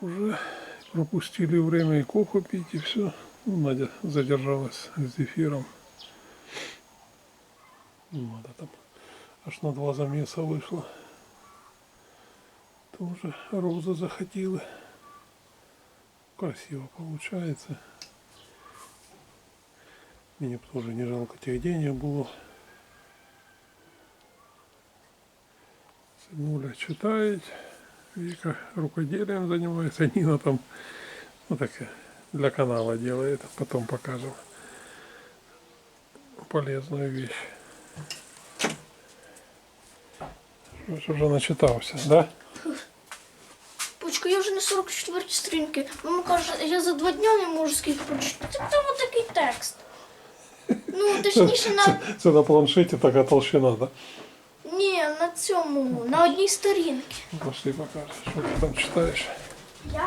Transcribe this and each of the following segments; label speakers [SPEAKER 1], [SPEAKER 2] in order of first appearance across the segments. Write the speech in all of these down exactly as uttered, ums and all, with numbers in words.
[SPEAKER 1] уже пропустили время и кофе пить, и все. Ну, Надя задержалась с зефиром. Надо там аж на два замеса вышла. Тоже розы захотела. Красиво получается. Мне тоже не жалко тех денег было. Сынуля читает. Вика рукоделием занимается. Нина там, ну так, для канала делает. Потом покажем полезную вещь. Уже начитався, да?
[SPEAKER 2] Почка, я вже на сорок четвертій сторінці. Мама каже, я за два дня не можу скільки прочитати. Там такий текст. Ну, точніше, на...
[SPEAKER 1] Це, це на планшеті така толщина, да?
[SPEAKER 2] Ні, на цьому, на одній сторінці.
[SPEAKER 1] Пошли покажешь, что ты там читаешь.
[SPEAKER 2] Я?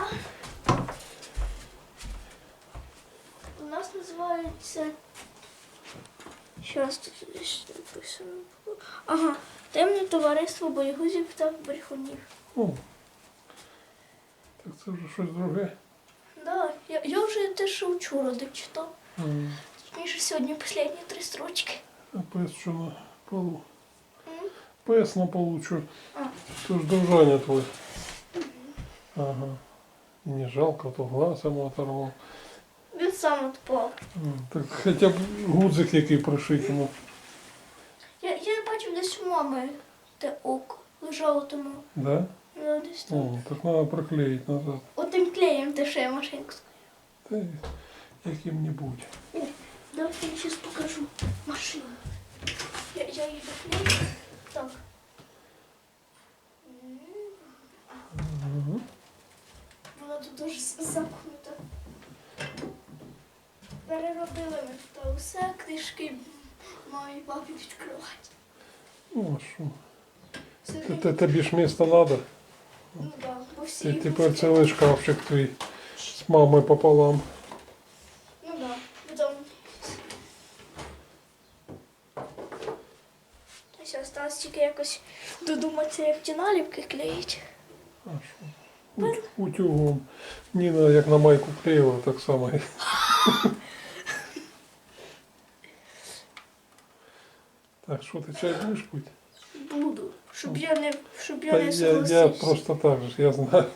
[SPEAKER 2] У нас називається... Щас тут десь написано. Ага. Темне товариство боєгузів та брехунів.
[SPEAKER 1] О, так це вже щось друге.
[SPEAKER 2] Да, я, я вже те, що вчора дочитав.
[SPEAKER 1] Mm.
[SPEAKER 2] Точніше, сьогодні останні три строчки.
[SPEAKER 1] А пес що на полу?
[SPEAKER 2] М?
[SPEAKER 1] Пес на полу що?
[SPEAKER 2] А.
[SPEAKER 1] Це ж дружаня твой. Ага. І не жалко, то глаз йому оторвав.
[SPEAKER 2] Він сам відпав.
[SPEAKER 1] М, Так хоча б гудзик який пришить йому.
[SPEAKER 2] Я, я бачив десь у мами те око. Лежало тому.
[SPEAKER 1] Да?
[SPEAKER 2] Ну, десь там.
[SPEAKER 1] О, так треба приклеїти назад.
[SPEAKER 2] Отим клеєм те, що я машинку.
[SPEAKER 1] Та й яким-небудь.
[SPEAKER 2] Давайте я зараз покажу машину. Я, я її доклею. Так.
[SPEAKER 1] Угу.
[SPEAKER 2] Вона тут дуже замкнута. Переробили ми тут усе, книжки мамі і папі відкривати.
[SPEAKER 1] Ну, а що?
[SPEAKER 2] Все
[SPEAKER 1] Т-
[SPEAKER 2] таки-
[SPEAKER 1] т- Тобі ж місто треба.
[SPEAKER 2] Ну так, бо всі
[SPEAKER 1] Ти
[SPEAKER 2] їх
[SPEAKER 1] тепер
[SPEAKER 2] хочуть.
[SPEAKER 1] цілий шкафчик твій з мамою пополам.
[SPEAKER 2] Ну так, потім... Ось осталось тільки якось додуматися, як ті наліпки клеїть.
[SPEAKER 1] А що? У- Утюгом. Ніна як на майку клеїла, так само. Так, що ти чай будеш пити?
[SPEAKER 2] Буду, щоб я не, щоб я
[SPEAKER 1] Та
[SPEAKER 2] не
[SPEAKER 1] я,
[SPEAKER 2] согласився.
[SPEAKER 1] я просто так же, я знаю.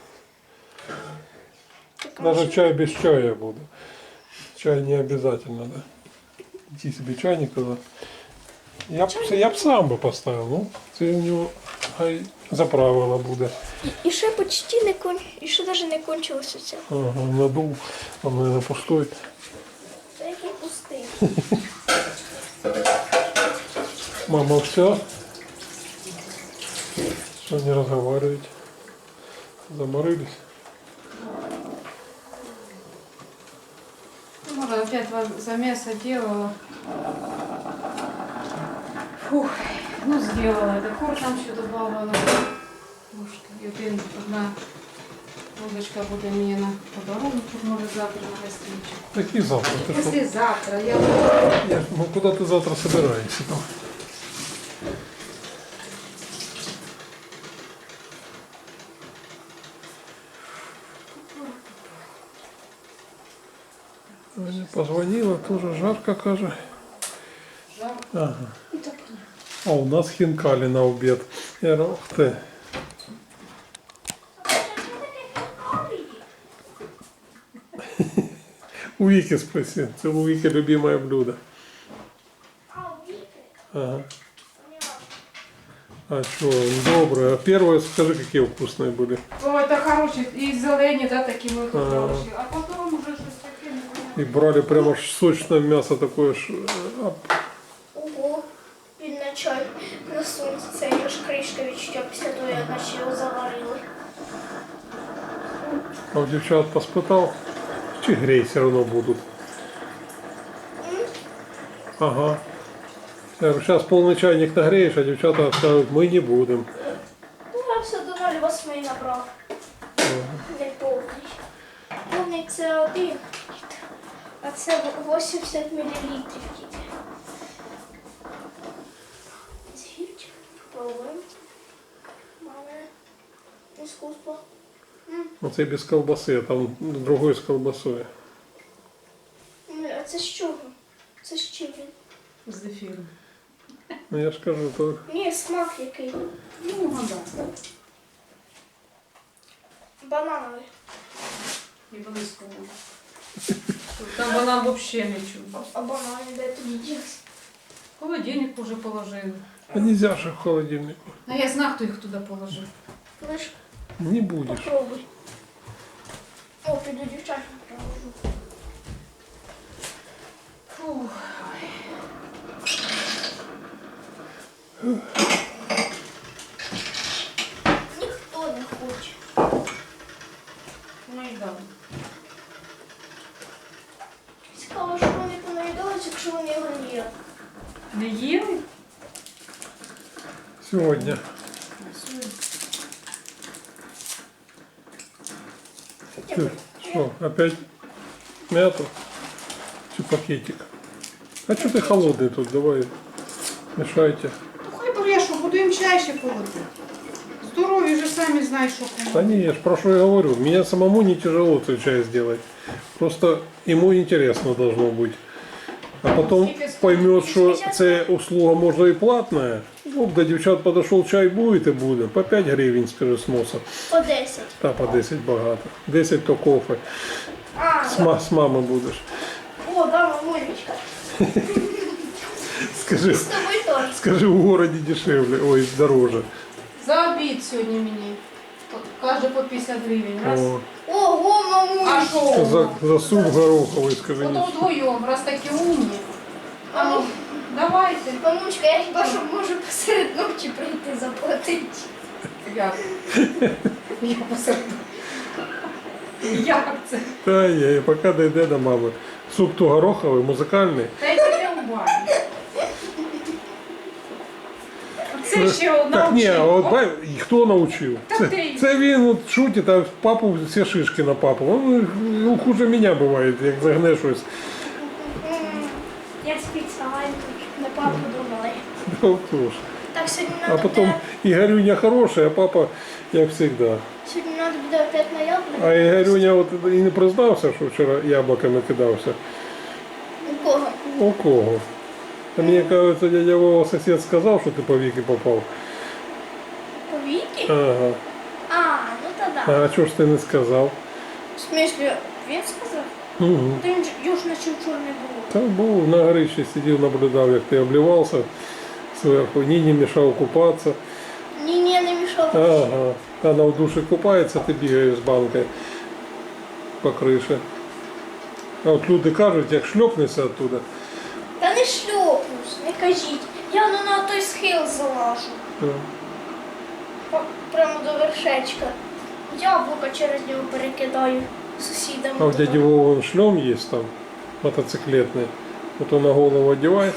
[SPEAKER 2] Так,
[SPEAKER 1] Даже
[SPEAKER 2] може,
[SPEAKER 1] чай без чая буду. Чай не обязательно, да. Иди себе чайник туда. Я б, я б сам би поставив, ну, це у нього хай заправила буде.
[SPEAKER 2] І, і ще почти не кон... і ще навіть не кончилося це.
[SPEAKER 1] Ага, надув, а мене пустой.
[SPEAKER 2] Це який пустий.
[SPEAKER 1] Мама, все? Что не разговариваете? Заморились?
[SPEAKER 3] Может, опять замеса делала. Фух, ну сделала. Это коржем еще добавила. Может, один, одна водочка будет мне на подарунок, может, завтра на гостиничек.
[SPEAKER 1] Какие завтра? Ты что?
[SPEAKER 3] Послезавтра я...
[SPEAKER 1] Нет, ну куда ты завтра собираешься там? Аня позвонила, тоже жарко, каже.
[SPEAKER 3] Жарко.
[SPEAKER 1] Ага.
[SPEAKER 2] І так.
[SPEAKER 1] А у нас хинкали на обед. Я говорю, ух ты. У Вики спроси. Это у Вики любимое блюдо.
[SPEAKER 2] А, Віки?
[SPEAKER 1] Ага. А что, доброе. А первое, скажи, какие вкусные были.
[SPEAKER 3] О, это хороший. И зелені, да, такі ми тут
[SPEAKER 1] Ага.
[SPEAKER 3] хороші. А потім уже щось таке непонятне.
[SPEAKER 1] И брали прямо ж сочное мясо такое. ж, а,
[SPEAKER 2] Ого, він на чай насунеться. Це аж кришка відчуття після того, як наче його заварили.
[SPEAKER 1] А у девчат поспытал, чи грей все равно будут. Ага. Я говорю, сейчас полный чайник нагреешь, а девчата скажут, мы не будем.
[SPEAKER 2] Ну, я все до ноль восьми набрав. Не повний. Повний це один, а це вісімдесят мілілітрів тільки. Згірчик, половин. Маме, іскусство.
[SPEAKER 1] Оце без колбаси, а там другой з колбасою.
[SPEAKER 2] Ні, а це з чого? Це з чим він?
[SPEAKER 3] З зефіром.
[SPEAKER 1] Ну я ж кажу, то
[SPEAKER 2] Ні, смак який.
[SPEAKER 3] Ну, гадав.
[SPEAKER 2] Банановий.
[SPEAKER 3] І близького. Там банан взагалі не чув.
[SPEAKER 2] А банани де тоді дівся?
[SPEAKER 3] Холодильник уже положили.
[SPEAKER 1] а нельзя же в холодильнику.
[SPEAKER 3] А я знаю, хто їх туди положив.
[SPEAKER 2] Лиш
[SPEAKER 1] Не будешь.
[SPEAKER 2] попробуй. О, піду дівчатам провожу.
[SPEAKER 3] Фух.
[SPEAKER 2] Ніхто не хоче.
[SPEAKER 3] Ну і дам.
[SPEAKER 2] Цікаво, що вони понаїдались, якщо вони його не їли.
[SPEAKER 3] Не їли?
[SPEAKER 1] Сегодня. Ты что, опять мяту? Чи пакетик? А что ты холодный тут? Давай, мешайте.
[SPEAKER 3] Ну хай брешу, буду їм чай ще полити. Здорові вже самі знають, що кому.
[SPEAKER 1] Да не, я ж про что я говорю. Мне самому не тяжело этот чай сделать. Просто ему интересно должно быть. А потом поймет, что це услуга можно и платная. Ну, до девчат подошел, чай будет и будет. По пять гривен с пересноса.
[SPEAKER 2] По десять.
[SPEAKER 1] Та по десять багато. десять то кофе.
[SPEAKER 2] А,
[SPEAKER 1] С, ма- с мамой будешь.
[SPEAKER 2] о, да, мамулечка.
[SPEAKER 1] Скажи,
[SPEAKER 2] З тобою теж.
[SPEAKER 1] скажи, в городе дешевле, ой, дороже.
[SPEAKER 3] За обід сьогодні мені. Каже по п'ятдесят гривень. Раз.
[SPEAKER 1] О,
[SPEAKER 2] Ого,
[SPEAKER 3] А
[SPEAKER 2] мамулечка.
[SPEAKER 3] що?
[SPEAKER 1] за, за суп гороховый, скажи.
[SPEAKER 3] Ото
[SPEAKER 1] не-
[SPEAKER 3] вдвоєм, раз такі умні. А ну, давайте.
[SPEAKER 2] Мамулечка, я хіба що можу посеред ночі прийти заплатити.
[SPEAKER 3] Як? Я посеред. Як це?
[SPEAKER 1] Та є, поки дійде до мами. Суп то гороховий, музикальний.
[SPEAKER 3] Та й таке у бані. Це ще одна
[SPEAKER 1] Так ні, а от
[SPEAKER 3] вчинка.
[SPEAKER 1] бай, і хто навчив?
[SPEAKER 3] Та
[SPEAKER 1] Це,
[SPEAKER 3] ти.
[SPEAKER 1] це він от шутить, а папу всі шишки на папу. Он, ну, хуже мене буває, як загне щось.
[SPEAKER 2] М, Я спеціально на папу думала.
[SPEAKER 1] Ну, хто ж.
[SPEAKER 2] Так, сьогодні
[SPEAKER 1] А
[SPEAKER 2] надо
[SPEAKER 1] потім
[SPEAKER 2] буде,
[SPEAKER 1] Ігорюня хороший, а папа, як завжди.
[SPEAKER 2] сьогодні надо буде опять на яблуко.
[SPEAKER 1] А Ігорюня от і не признався, що вчора яблуками кидався.
[SPEAKER 2] У кого?
[SPEAKER 1] У кого? А мені кажется, дядя Вова сосед сказав, що ти по віки попав.
[SPEAKER 2] По віки?
[SPEAKER 1] Ага.
[SPEAKER 2] А, ну то да.
[SPEAKER 1] А чого ж ти не сказав?
[SPEAKER 2] В смислі, він сказав?
[SPEAKER 1] Угу.
[SPEAKER 2] Та він ж його ж наче вчора не було.
[SPEAKER 1] Та був на горищі, сидів, наблюдав, як ти обливався зверху, ні, не мішав купатися.
[SPEAKER 2] Ні, ні, не мішав.
[SPEAKER 1] Ага. Вона в душі купається, ти бігаєш з банкою по криші. А от люди кажуть, як шльопнешся оттуда,
[SPEAKER 2] Та не шльопнусь, не кажіть. Я ну на той схил залажу.
[SPEAKER 1] то
[SPEAKER 2] Па- Прямо до вершечка. Яблука через нього перекидаю сусідам.
[SPEAKER 1] а у дяді Вова шльом є там, мотоциклетний. От он на голову одягає.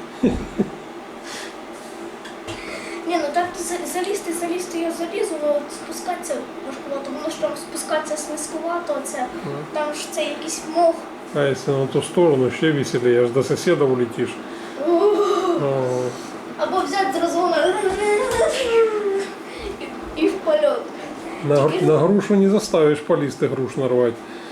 [SPEAKER 2] Ні, ну так то за- залізти, залізти я залізу, але от спускатися важкувато. Воно ж там спускатися слизькувато, це там ж це якийсь мох.
[SPEAKER 1] А якщо на ту сторону, ще веселіше, аж до сусіда влетиш. О,
[SPEAKER 2] Або взяти з розгону і, і в польот.
[SPEAKER 1] на, гр- на грушу не заставиш полізти груш нарвати.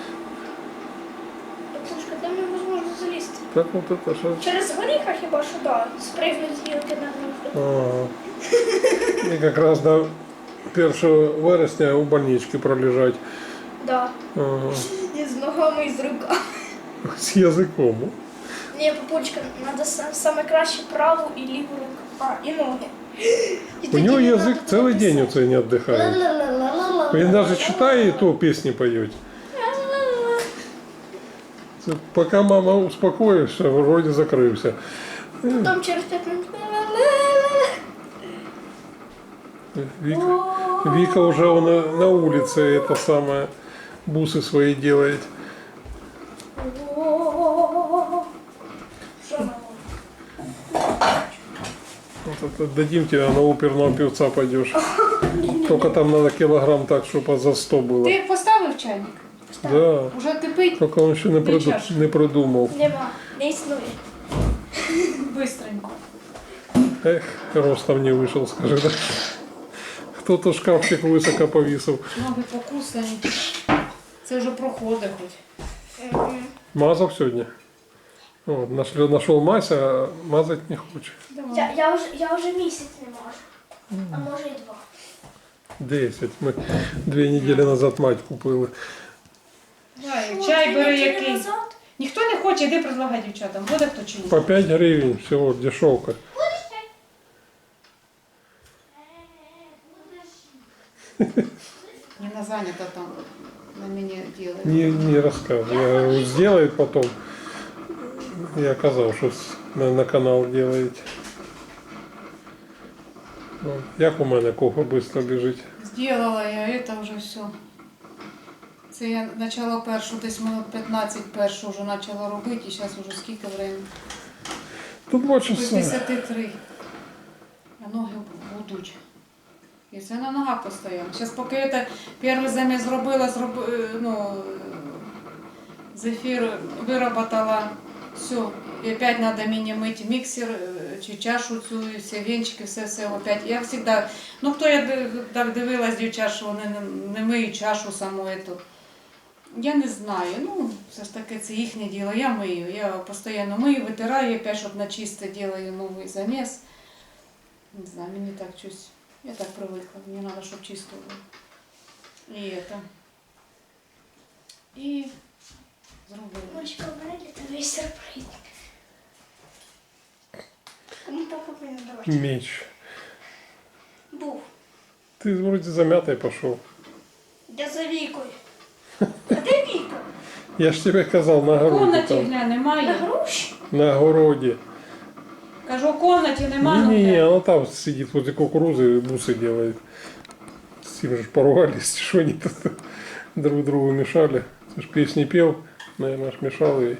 [SPEAKER 2] Пушка, там невозможно залізти.
[SPEAKER 1] Так от це що.
[SPEAKER 2] Через горіха хіба що да, спригнуть з гілки на грушу.
[SPEAKER 1] Ага. І якраз до першого вересня у больничці пролежать.
[SPEAKER 2] Да.
[SPEAKER 1] Ага.
[SPEAKER 2] І з ногами, і з руками.
[SPEAKER 1] З язиком.
[SPEAKER 2] Ні, папулечка, треба саме краще праву і ліву руку. А, і ноги. І
[SPEAKER 1] У
[SPEAKER 2] тоді
[SPEAKER 1] нього
[SPEAKER 2] не
[SPEAKER 1] язик
[SPEAKER 2] надо
[SPEAKER 1] цілий
[SPEAKER 2] буде
[SPEAKER 1] день
[SPEAKER 2] писати.
[SPEAKER 1] оце не віддихає.
[SPEAKER 2] Ла-ла-ла-ла-ла-ла.
[SPEAKER 1] Він навіть читає, і то пісні поють.
[SPEAKER 2] Ла-ла-ла.
[SPEAKER 1] Це поки мама успокоївся, вроді закрився.
[SPEAKER 2] Потім через п'ять минут. Ла-ла-ла-ла.
[SPEAKER 1] Віка, Віка вже вона на вулиці это самое, буси свої делает.
[SPEAKER 2] О-о-о-о-о. Що мама?
[SPEAKER 1] Вот это дадим тебе, на оперного певца пойдешь. Только там надо килограмм так, чтобы за сто было.
[SPEAKER 3] Ти поставив чайник?
[SPEAKER 1] Да.
[SPEAKER 3] Уже кипить?
[SPEAKER 1] Только он еще не,
[SPEAKER 3] Дві
[SPEAKER 1] приду,
[SPEAKER 3] чашки.
[SPEAKER 1] не придумал.
[SPEAKER 2] Нема, не існує.
[SPEAKER 3] Бистренько.
[SPEAKER 1] Эх, ростом не вышел, скажи, да? Кто-то шкафчик высоко повесил.
[SPEAKER 3] Ноги покусані. Це вже проходить хоч.
[SPEAKER 2] Мгм.
[SPEAKER 1] Мазал сегодня. Вот, нашел, нашел мазь, а мазать не хочет.
[SPEAKER 3] Давай.
[SPEAKER 2] Я, я, вже, я вже місяць не можу. А може і два.
[SPEAKER 1] Десять. Мы две недели назад мать купили.
[SPEAKER 3] Давай,
[SPEAKER 2] Що,
[SPEAKER 3] чай
[SPEAKER 2] дві
[SPEAKER 3] бери
[SPEAKER 2] неділі
[SPEAKER 3] який.
[SPEAKER 2] назад?
[SPEAKER 3] Ніхто не хоче, іди предлагай дівчатам. Буде хто чи ні?
[SPEAKER 1] По пять гривен всего, дешевка.
[SPEAKER 3] Не занята там на мене делает.
[SPEAKER 1] Не, не рассказывай. Я говорю, сделает потом. Я оказал, что с- на, на канал делаете. Ну, як у мене кофе быстро біжить.
[SPEAKER 3] Сделала я, это вже все. Це я почала першу, десь минут п'ятнадцять першу вже почала робити, і зараз вже скільки времени?
[SPEAKER 1] Тут два
[SPEAKER 3] Без
[SPEAKER 1] часа.
[SPEAKER 3] десяти три. А ноги будуть. І це на ногах постійно. Зараз поки я перший заміс зробила, зроб... ну, зефір вироботала, все. І опять треба мені мити міксер, е, чи чашу цю, і всі вінчики, все-все опять. Я завжди, ну хто я ди- так дивилась, дівчат, що вони не, не миють чашу саму эту. Я не знаю, ну, все ж таки це їхнє діло. Я мию, я постійно мию, витираю, опять, щоб на чисте делаю новий заміс. Не знаю, мені так щось, я так привикла, мені треба, щоб чисто було. І это. І зробила.
[SPEAKER 2] Мочка, у мене для тебе є сюрприз. Кому папа повинен давати?
[SPEAKER 1] Меч.
[SPEAKER 2] Був.
[SPEAKER 1] Ты вроде замятый пошел.
[SPEAKER 2] Я за Вікою. А де Віка?
[SPEAKER 1] Я ж тебе казал на
[SPEAKER 3] В
[SPEAKER 1] огороде
[SPEAKER 3] комнаті
[SPEAKER 1] там.
[SPEAKER 3] гля,
[SPEAKER 2] На
[SPEAKER 3] немає.
[SPEAKER 2] груші?
[SPEAKER 1] На огороде.
[SPEAKER 3] Кажу, в комнаті немає.
[SPEAKER 1] Не-не-не, она там сидит возле кукурузы и бусы делает. С ним же поругались, что они тут друг другу мешали. Ты ж песни пел, наверное, аж мешал ей.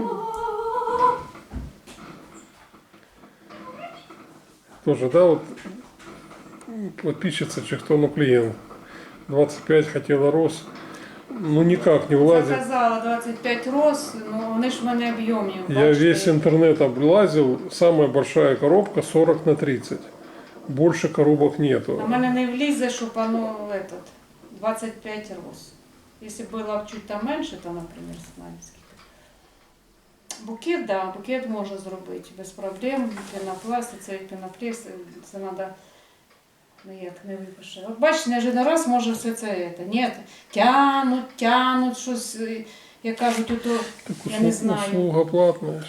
[SPEAKER 1] Тоже, да, вот подписчица Чехтону клиент. двадцать пять хотела роз. Ну никак не влазит.
[SPEAKER 3] Заказала двадцять п'ять роз, ну вони ж в мене об'ємні.
[SPEAKER 1] Я
[SPEAKER 3] бачите.
[SPEAKER 1] весь интернет облазил. Самая большая коробка сорок на тридцать. Больше коробок нету.
[SPEAKER 3] На мене не влізе, щоб оно этот, двадцять п'ять роз. Якщо було б чуть там менше, то, наприклад, знаю скільки. Букет, да, букет можна зробити без проблем. Пінопласт, це пінопласт, це треба ніяк не випише. От бачите, не один раз може все це, це. Ні, тянуть, тянуть щось, е, як кажуть, ото,
[SPEAKER 1] Так
[SPEAKER 3] я не
[SPEAKER 1] услу-
[SPEAKER 3] знаю.
[SPEAKER 1] Услуга платная. ж.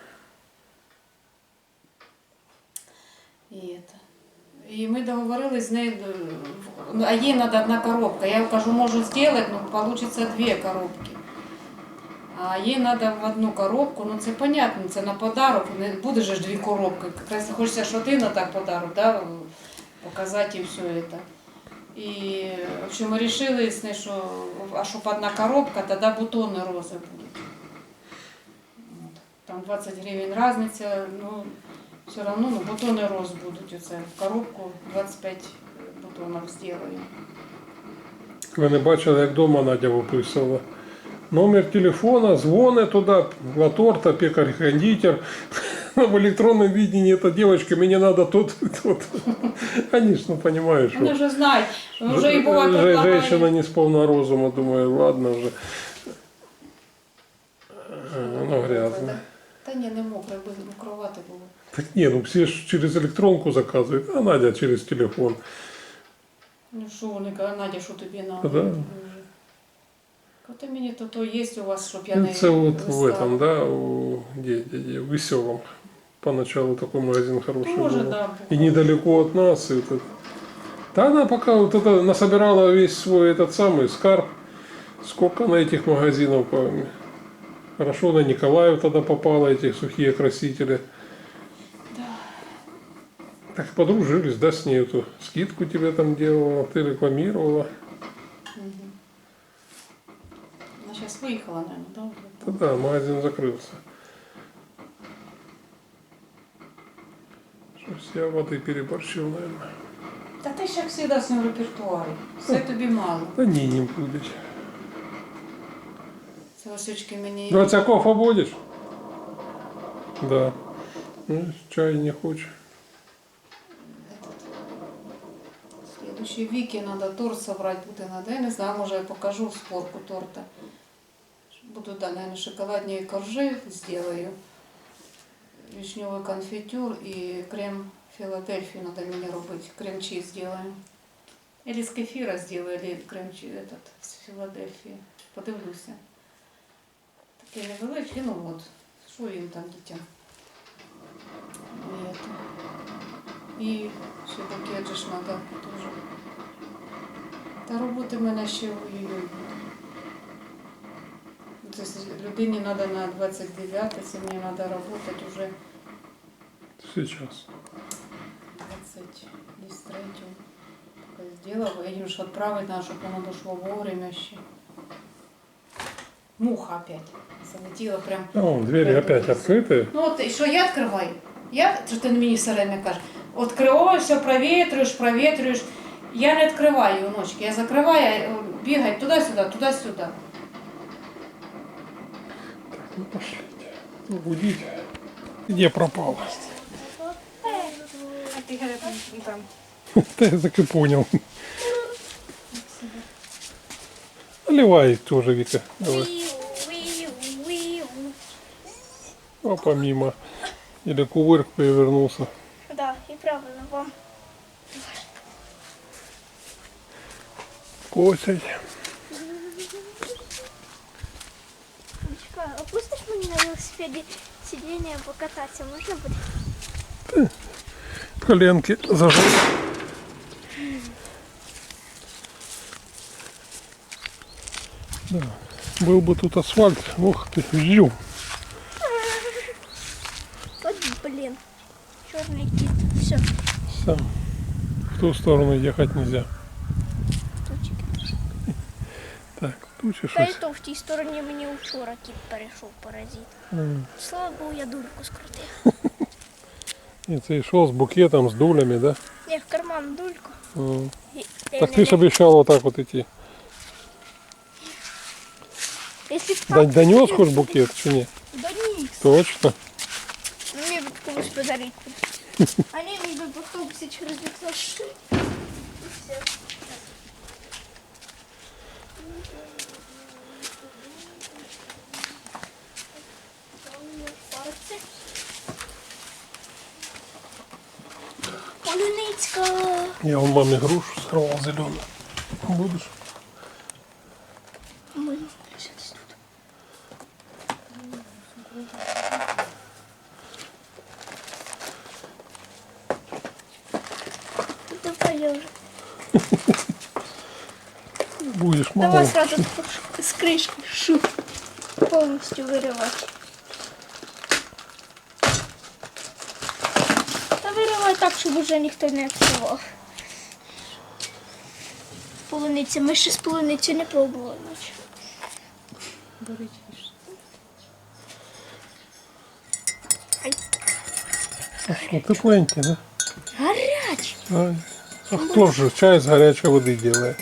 [SPEAKER 3] І, это. І ми договорились з нею, е, ну, а їй треба одна коробка. Я кажу, можу зробити, ну, получится дві коробки. А їй треба в одну коробку, ну це понятно, це на подарок, не буде же ж дві коробки. Якраз хочеться ж один так подарок, да, показати і все это. І, в общем, ми вирішили, з нею, що, а щоб одна коробка, тоді бутони рози будуть. От. Там двадцять гривень різниця, ну, все равно, ну, бутони роз будуть. Оце в коробку двадцять п'ять бутонів зроблю.
[SPEAKER 1] Ви не бачили, як дома Надя виписувала. Номер телефона, дзвони туди, торта, пекарь, кондитер. В электронном видении эта девочка, мне надо тут, тут. Они ж, ну, понимаешь,
[SPEAKER 3] Вони
[SPEAKER 1] что
[SPEAKER 3] вже знають, вже і бува
[SPEAKER 1] Же-
[SPEAKER 3] предлагають.
[SPEAKER 1] женщина не сполна розума, думаю, ладно вже. А, ну, грязно.
[SPEAKER 3] Та ні, не мокре, аби мокрувати було.
[SPEAKER 1] Так не, ну все ж через электронку заказывают, а Надя через телефон.
[SPEAKER 3] Ну що вони кажуть, Надя, що тобі надо?
[SPEAKER 1] Да.
[SPEAKER 3] От мені то, то є у вас, щоб я не
[SPEAKER 1] Это вот в
[SPEAKER 3] листала.
[SPEAKER 1] этом, да, у, где, где, где, в Веселом. Поначалу такой магазин хороший
[SPEAKER 3] Тоже,
[SPEAKER 1] был.
[SPEAKER 3] да.
[SPEAKER 1] И недалеко от нас. И этот. Да она пока вот это насобирала весь свой этот самый скарб. Сколько на этих магазинов. по- Хорошо на Николаев тогда попало, эти сухие красители.
[SPEAKER 3] Да.
[SPEAKER 1] Так подружились, да, с ней эту скидку тебе там делала, ты рекламировала.
[SPEAKER 3] Мгм. Вона зараз виїхала, наверное, да?
[SPEAKER 1] Да, да, магазин закрылся. Что-то я воды переборщил, наверное.
[SPEAKER 3] Та ти ж як завжди в своєму репертуарі. Все тобі мало.
[SPEAKER 1] Да не, не будешь.
[SPEAKER 3] Це Васючки мені...
[SPEAKER 1] Двадцаков будешь? Да. Ну, чай не хочешь.
[SPEAKER 3] Следующий Ще Віки треба торт собрати буде надо. Я не знаю, може я покажу сборку торта. Буду, да, наверное, шоколадные коржи сделаю. Вишневый конфитюр и крем Филадельфию надо мне робить. Крем-чиз сделаем. Или с кефира сделаю, или крем-чиз этот, с Филадельфии. Подивлюся. Такі невеличкі, ну от, що їм там дітям. І, это. І ще букет же ж надо теж. Та роботи в мене ще ой-ой-ой буде. Тобто людині треба на двадцять дев'яте, це мені треба працювати вже
[SPEAKER 1] Сейчас.
[SPEAKER 3] двадцять третього. Поки зробила, їм ж відправити треба, щоб воно дійшло вовремя ще. Муха опять залетіла прям.
[SPEAKER 1] О, двери опять открыты.
[SPEAKER 3] Ну от, і що я відкриваю? Я, що ти мені все время кажеш, відкриваю, все провітрюєш, провітрюєш. Я не відкриваю, ночки, я закриваю, бігаю туди-сюди, туди-сюди.
[SPEAKER 1] Ну пошлите. Ну, будите. Где пропал?
[SPEAKER 2] А ти там.
[SPEAKER 1] Да я так и понял. Наливай тоже, Вика. Давай. Опа, мимо. Или кувырк перевернулся.
[SPEAKER 2] Да, і правильно вам.
[SPEAKER 1] Косять.
[SPEAKER 2] Дочка, опустиш мені на велосипеді сидіння покататися, можна буде?
[SPEAKER 1] Коленки зажал. Да. Был бы тут асфальт. Ух ты, жил.
[SPEAKER 2] От, блін. Чорний кіт. Все.
[SPEAKER 1] Все. В ту сторону ехать нельзя.
[SPEAKER 2] Тучки.
[SPEAKER 1] Так, тучи
[SPEAKER 2] Та й
[SPEAKER 1] щось.
[SPEAKER 2] то в тій стороні мені вчора кіт перейшов паразит.
[SPEAKER 1] М.
[SPEAKER 2] Слава Богу, я дульку скрутив.
[SPEAKER 1] І це йшов з букетом, з дулями, да?
[SPEAKER 2] Я в карман дульку.
[SPEAKER 1] М.
[SPEAKER 2] І-
[SPEAKER 1] Так ти ж обіцяв отак от іти.
[SPEAKER 2] Якщо б
[SPEAKER 1] Да,
[SPEAKER 2] так,
[SPEAKER 1] донес хоч букет чи ні?
[SPEAKER 2] да ні.
[SPEAKER 1] Точно.
[SPEAKER 2] Ну, мені б комусь подарити. А не, мені б в автобусі через вікно шли. І все. Полуницька.
[SPEAKER 1] Я у мамі грушу сховав зелену. Будеш?
[SPEAKER 2] Ми щось тут. Давай я вже.
[SPEAKER 1] Будеш мало.
[SPEAKER 2] Давай сразу с крышки шуп полностью вырывать. Да вырывай так, чтобы уже никто не открывал. Полуниця. Ми ще з полуницю не пробували ночі. Ай,
[SPEAKER 1] А що, тепленький, да?
[SPEAKER 2] гарячий.
[SPEAKER 1] А, а хто ж чай з гарячої води делає?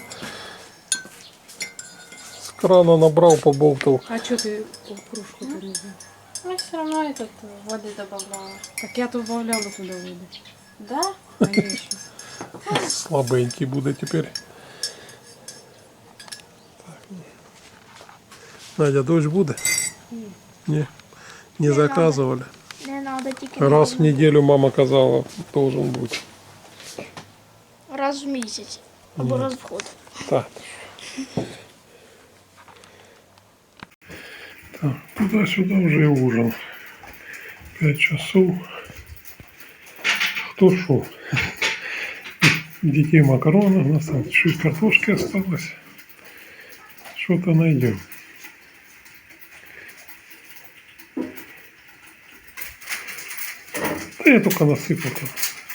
[SPEAKER 1] З крана набрав, побовтав.
[SPEAKER 3] А что ты кружку перезал? Ну, все равно этот воды добавляла. Так я добавляла туда воды. Да? Конечно.
[SPEAKER 1] Слабенький буде тепер. Так. Надя, дощ буде? Ні. Не заказували.
[SPEAKER 2] Не треба тільки
[SPEAKER 1] Раз в неделю мама казала, должен бути.
[SPEAKER 2] раз в місяць. Або раз в год.
[SPEAKER 1] Так. Так, туда-сюда уже и ужин. Пять часов. Кто шо? Детей макароны. У нас там чуть картошки осталось. Что-то найдем. Да я только насыпал там.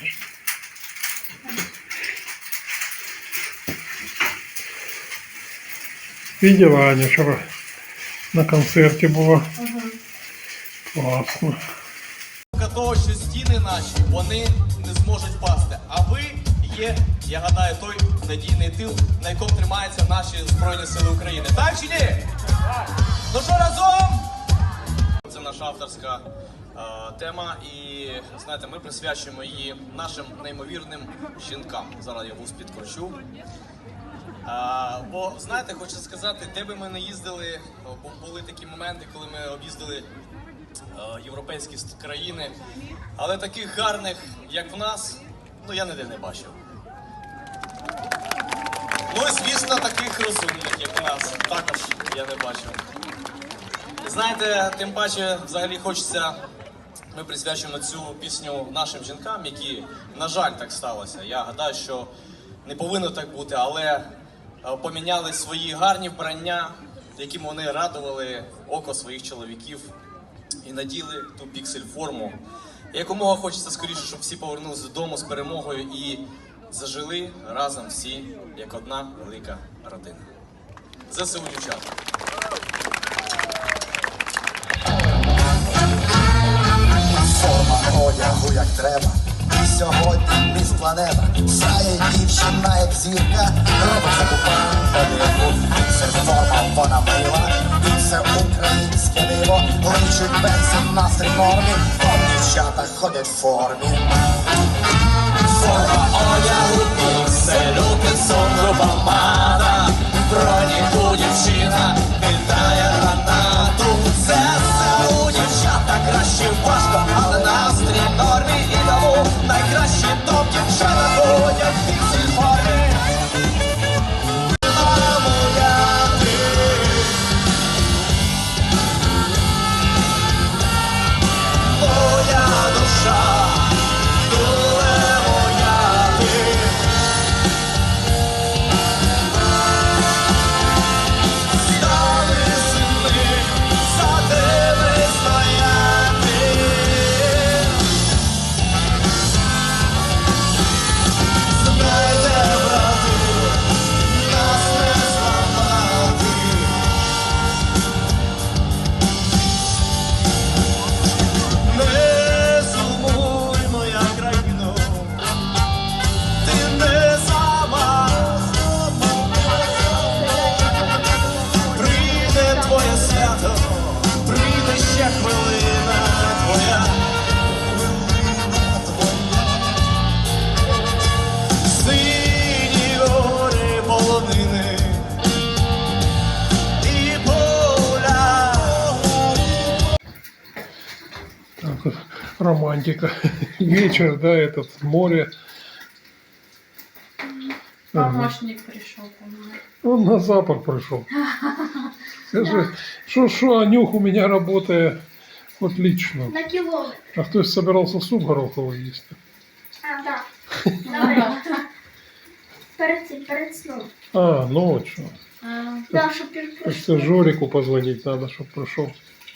[SPEAKER 1] Видела, Аня вчера на концерте была. Классно.
[SPEAKER 4] Того, що стіни наші, вони не зможуть пасти. А ви є, я гадаю, той надійний тил, на якому тримаються наші Збройні Сили України. Так чи ні? Так. Ну що, разом? Це наша авторська е, тема, і знаєте, ми присвячуємо її нашим неймовірним жінкам. Зараз я вуз підкручу. А, бо, знаєте, хочу сказати, де би ми не їздили, бо були такі моменти, коли ми об'їздили е, європейські ст- країни, але таких гарних, як в нас, ну я ніде не бачив. Ну і, звісно, таких розумних, як в нас, також я не бачив. І знаєте, тим паче, взагалі хочеться, ми присвячуємо цю пісню нашим жінкам, які, на жаль, так сталося. Я гадаю, що не повинно так бути, але поміняли свої гарні вбрання, якими вони радували око своїх чоловіків, і наділи ту піксель-форму. І якомога хочеться скоріше, щоб всі повернулися додому з перемогою і зажили разом всі, як одна велика родина. ЗСУ, дівчата!
[SPEAKER 5] Форма одягу як треба. Сьогодні міст планета. Сяє дівчина як зірка. Робить закупати подиву. Це форма, вона мила. І це українське диво. Личить бензин настрій нормі. Бо дівчата ходять в формі. Форма одягу пікселю, підсумку помада. В броніку дівчина кидає гранату. ЗСУ, дівчата, краще важко, але настрій в нормі. І тому найкращі топ дівчата ходять в піксель формі. А моя ти, моя душа, дуле моя ти. Стали сини, за тебе стояти. Знайте, брати, нас не зламати. Не сумуй, моя країно, ти не сама. Прийде твоє свято, прийде ще хвилина твоя. Сині гори полонини і поля.
[SPEAKER 1] Так вот, романтика. Вечер, да, этот море. Ага.
[SPEAKER 3] Помощник пришел ко мне.
[SPEAKER 1] Он на запад пришел. Скажи, что что, Анюх у меня работает отлично.
[SPEAKER 2] На кілометр.
[SPEAKER 1] А кто собирался суп гороховый есть?
[SPEAKER 2] А, так. Давай. Перед цим, перед сном.
[SPEAKER 1] А, ночью.
[SPEAKER 3] А,
[SPEAKER 2] Да, щоб він
[SPEAKER 1] Так
[SPEAKER 2] прийшов.
[SPEAKER 1] что Жорику позвонить надо, чтобы пришел.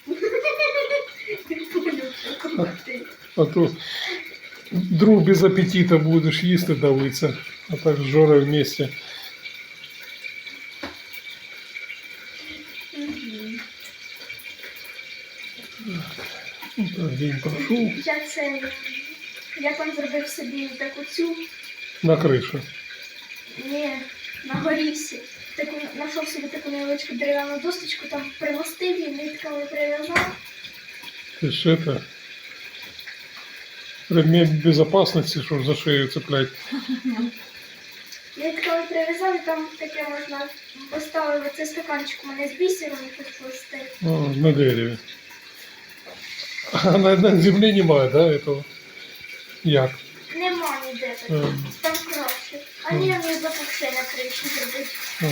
[SPEAKER 1] А то друг без аппетита будешь їсти давиться, а так с Жорой вместе. Ну, так, день прошел
[SPEAKER 2] Я це, я там зробив собі таку цю,
[SPEAKER 1] на крыше.
[SPEAKER 2] ні, на горісі. Таку, знайшов собі таку невеличку дерев'яну досточку, там примостив її, нитками прив'язав.
[SPEAKER 1] Ты ж это... Ремень безопасности, что за шею цеплять.
[SPEAKER 2] Нитками прив'язав, і там таке можна поставити цей стаканчик у мене з бісером і підплести.
[SPEAKER 1] А, на дереве. А на, на земле немає, да, этого? Як?
[SPEAKER 2] Нема ніде
[SPEAKER 1] А,
[SPEAKER 2] такого, там краще. А ні, мені запухше на криші зробити.
[SPEAKER 1] ага.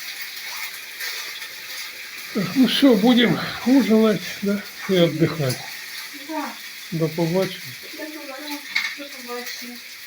[SPEAKER 1] Так, ну все, будем ужинать, да, и отдыхать.
[SPEAKER 2] Да,
[SPEAKER 1] До побачення.
[SPEAKER 2] до побачення.
[SPEAKER 3] до побачення.